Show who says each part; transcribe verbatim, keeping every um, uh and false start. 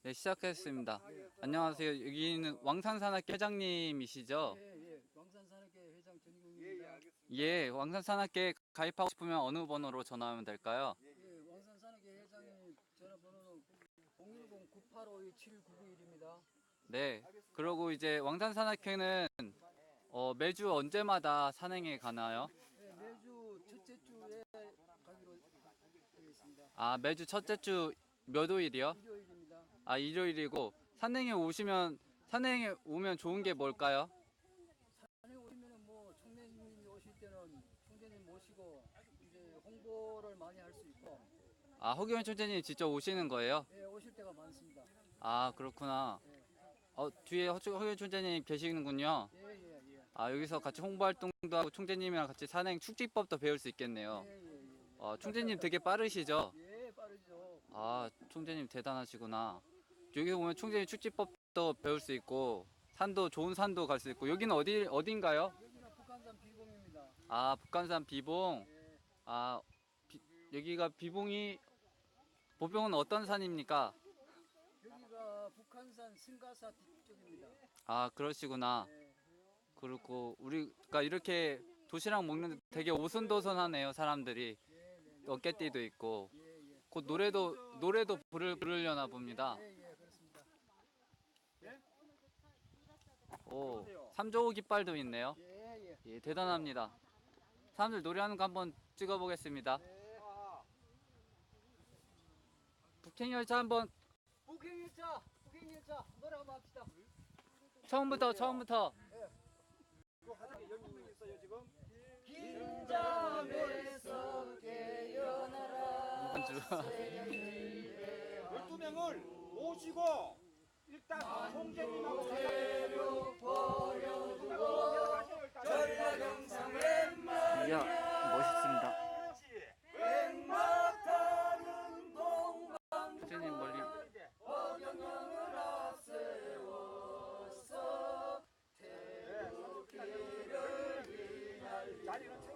Speaker 1: 네, 시작했습니다. 안녕하세요. 여기는 왕산산악회 회장님이시죠?
Speaker 2: 예, 예. 왕산산악회 회장 전희국입니다.
Speaker 1: 예, 왕산산악회 가입하고 싶으면 어느 번호로 전화하면 될까요?
Speaker 2: 예, 왕산산악회 회장님 전화번호는 공일공 구팔오이 칠구구일입니다.
Speaker 1: 네. 그리고 이제 왕산산악회는 어, 매주 언제마다 산행에 가나요?
Speaker 2: 예, 매주 첫째 주에 가기로 되겠습니다.
Speaker 1: 아, 매주 첫째 주 몇 요일이요?
Speaker 2: 일요일입니다.
Speaker 1: 아, 일요일이고 산행에 오시면 산행에 오면 좋은 게 뭘까요?
Speaker 2: 산에 오시면은 뭐 총재님이 오실 때는 총재님 모시고 이제 홍보를 많이 할 수 있고,
Speaker 1: 아, 허경영 총재님 직접 오시는 거예요?
Speaker 2: 예, 오실 때가 많습니다.
Speaker 1: 아, 그렇구나.
Speaker 2: 예,
Speaker 1: 어, 뒤에 허- 허경영 총재님 계시는군요.
Speaker 2: 예, 예, 예.
Speaker 1: 아, 여기서 같이 홍보 활동도 하고 총재님이랑 같이 산행 축지법도 배울 수 있겠네요.
Speaker 2: 예, 예, 예.
Speaker 1: 어, 총재님 되게 빠르시죠?
Speaker 2: 예, 빠르죠.
Speaker 1: 아, 총재님 대단하시구나. 여기 보면 총재님 축지법도 배울 수 있고 산도 좋은 산도 갈 수 있고 여기는 어디 어딘가요?
Speaker 2: 여기는 북한산 비공입니다.
Speaker 1: 아, 북한산 비봉.
Speaker 2: 예.
Speaker 1: 아, 비- 여기가 비봉이 보병은 어떤 산입니까?
Speaker 2: 여기가 북한산 승가사 뒤쪽입니다.
Speaker 1: 아, 그러시구나.
Speaker 2: 예,
Speaker 1: 그렇고 우리가 이렇게 도시락 먹는데 되게 오순도순하네요, 사람들이.
Speaker 2: 예, 네, 네.
Speaker 1: 어깨띠도 있고.
Speaker 2: 예, 예.
Speaker 1: 곧 노래도 노래도 부르, 부르려나 봅니다.
Speaker 2: 예, 예, 그렇습니다.
Speaker 1: 오, 삼조호 깃발도 있네요.
Speaker 2: 예, 예.
Speaker 1: 예, 대단합니다. 사람들 노래하는 거 한번 찍어보겠습니다.
Speaker 2: 네.
Speaker 1: 북행 열차 한번
Speaker 2: 북행열차, 북행열차 노래 한번 합시다.
Speaker 1: 처음부터 처음부터.
Speaker 2: 긴 잠에서 깨어나라.
Speaker 1: 이번 주.
Speaker 3: 열두 명을 모시고 일단 총재님하고
Speaker 1: 이야, 멋있습니다. 선생님 멀리.
Speaker 3: 자리는